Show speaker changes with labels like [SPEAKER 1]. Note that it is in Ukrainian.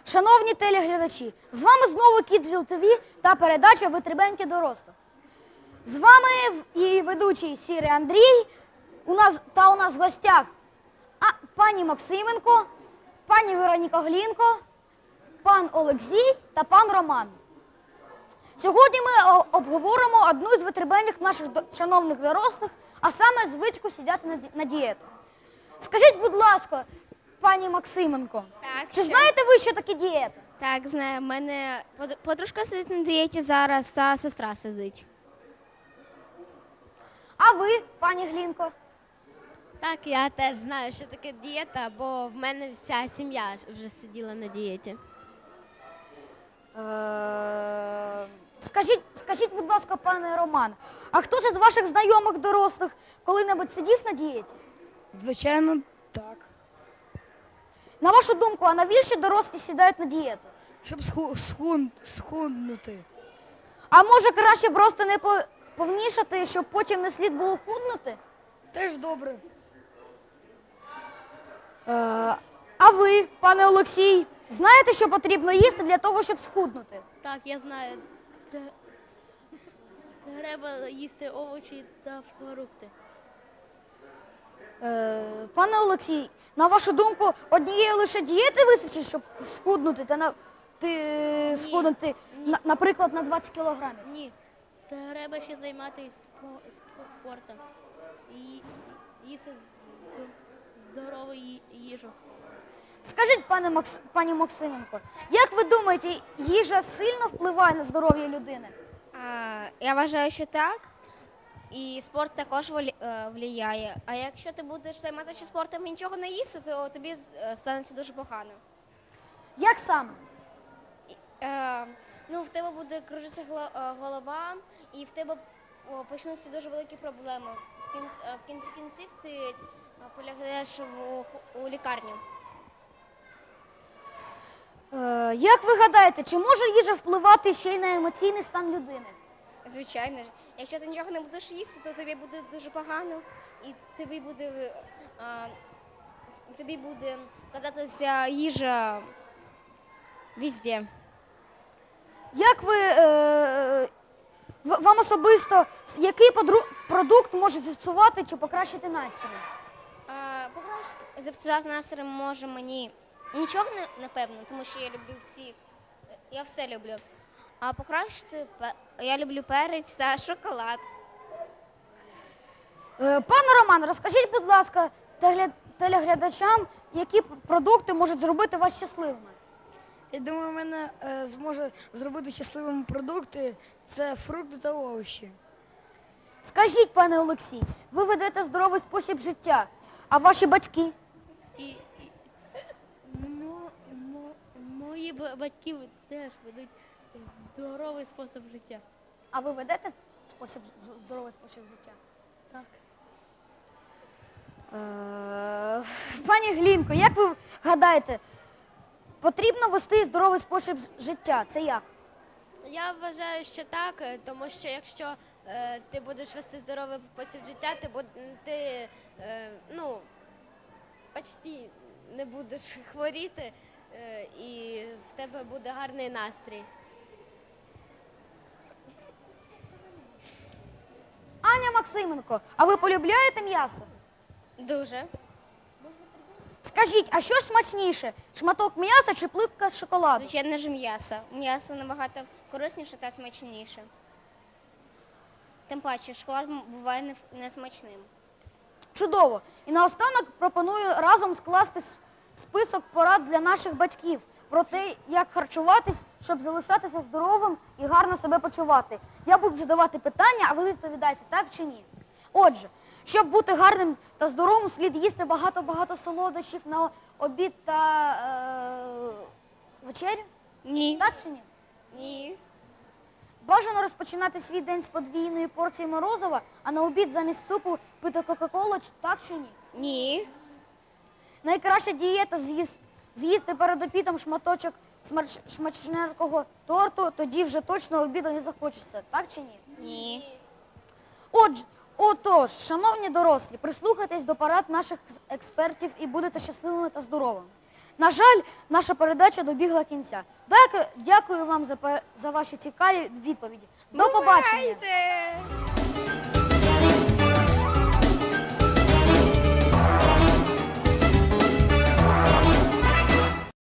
[SPEAKER 1] Шановні телеглядачі, з вами знову Kidsville TV та передача «Витребеньки дорослих». З вами і ведучий Сірий Андрій, у нас в гостях пані Максименко, пані Вероніка Глінко, пан Олексій та пан Роман. Сьогодні ми обговоримо одну з витребеньок наших шановних дорослих, а саме звичку сидіти на дієту. Скажіть, будь ласка, пані Максименко, чи знаєте ви, що таке дієта?
[SPEAKER 2] Так, знаю. У мене подружка сидить на дієті зараз, та сестра сидить.
[SPEAKER 1] А ви, пані Глінко?
[SPEAKER 3] Так, я теж знаю, що таке дієта, бо в мене вся сім'я вже сиділа на дієті.
[SPEAKER 1] Скажіть, будь ласка, пане Роман, а хтось із ваших знайомих дорослих коли-небудь сидів на дієті?
[SPEAKER 4] Звичайно, так.
[SPEAKER 1] На вашу думку, а навіщо дорослі сідають на дієту?
[SPEAKER 4] Щоб схуднути.
[SPEAKER 1] А може краще просто не повнішати, щоб потім не слід було худнути?
[SPEAKER 4] Теж добре.
[SPEAKER 1] А ви, пане Олексій, знаєте, що потрібно їсти для того, щоб схуднути?
[SPEAKER 5] Так, я знаю. Треба їсти овочі та фрукти.
[SPEAKER 1] Пане Олексій, на вашу думку, однієї лише дієти вистачить, щоб схуднути наприклад, на 20 кілограмів?
[SPEAKER 5] Ні. Треба ще займатися спортом і їсти здорову їжу.
[SPEAKER 1] Скажіть, пані Максименко, як ви думаєте, їжа сильно впливає на здоров'я людини?
[SPEAKER 2] Я вважаю, що так. І спорт також впливає. А якщо ти будеш займатися спортом і нічого не їсти, то тобі станеться дуже погано.
[SPEAKER 1] Як саме?
[SPEAKER 2] В тебе буде кружитися голова, і в тебе почнуться дуже великі проблеми. В кінці кінців ти полягаєш у лікарню.
[SPEAKER 1] Як ви гадаєте, чи може їжа впливати ще й на емоційний стан людини?
[SPEAKER 2] Звичайно ж. Якщо ти нічого не будеш їсти, то тобі буде дуже погано, і тобі буде казатися їжа везде.
[SPEAKER 1] Як вам особисто, який продукт може зіпсувати чи покращити настрій?
[SPEAKER 2] Зіпсувати настрій може мені нічого, напевно, тому що я все люблю. А покращити я люблю перець та шоколад.
[SPEAKER 1] Пане Роман, розкажіть, будь ласка, телеглядачам, які продукти можуть зробити вас щасливими?
[SPEAKER 4] Я думаю, мене зможе зробити щасливими продукти – це фрукти та овочі.
[SPEAKER 1] Скажіть, пане Олексій, ви ведете здоровий спосіб життя, а ваші батьки?
[SPEAKER 5] Мої батьки теж ведуть здоровий спосіб життя.
[SPEAKER 1] А ви ведете здоровий спосіб життя?
[SPEAKER 5] Так.
[SPEAKER 1] Пані Глінко, як ви гадаєте, потрібно вести здоровий спосіб життя? Це як?
[SPEAKER 3] Я вважаю, що так, тому що якщо ти будеш вести здоровий спосіб життя, ти почти не будеш хворіти, і в тебе буде гарний настрій.
[SPEAKER 1] Аня Максименко, а ви полюбляєте м'ясо?
[SPEAKER 2] Дуже.
[SPEAKER 1] Скажіть, а що ж смачніше, шматок м'яса чи плитка шоколаду?
[SPEAKER 2] Звичайно ж м'ясо. М'ясо набагато корисніше та смачніше. Тим паче, шоколад буває несмачним.
[SPEAKER 1] Чудово. І наостанок пропоную разом скласти список порад для наших батьків про те, як харчуватись, щоб залишатися здоровим і гарно себе почувати. Я буду задавати питання, а ви відповідаєте так чи ні. Отже, щоб бути гарним та здоровим, слід їсти багато-багато солодощів на обід та вечерю?
[SPEAKER 2] Ні.
[SPEAKER 1] Так чи ні?
[SPEAKER 2] Ні.
[SPEAKER 1] Бажано розпочинати свій день з подвійної порції морозива, а на обід замість супу пити кока-колу, так чи ні?
[SPEAKER 2] Ні.
[SPEAKER 1] Найкраща дієта з'їсти перед обідом шматочок смачненького торту, тоді вже точно обіду не захочеться, так чи ні?
[SPEAKER 2] Ні.
[SPEAKER 1] Отож, шановні дорослі, прислухайтесь до порад наших експертів і будете щасливими та здоровими. На жаль, наша передача добігла кінця. Дякую вам за ваші цікаві відповіді. До побачення.
[SPEAKER 4] Бувайте!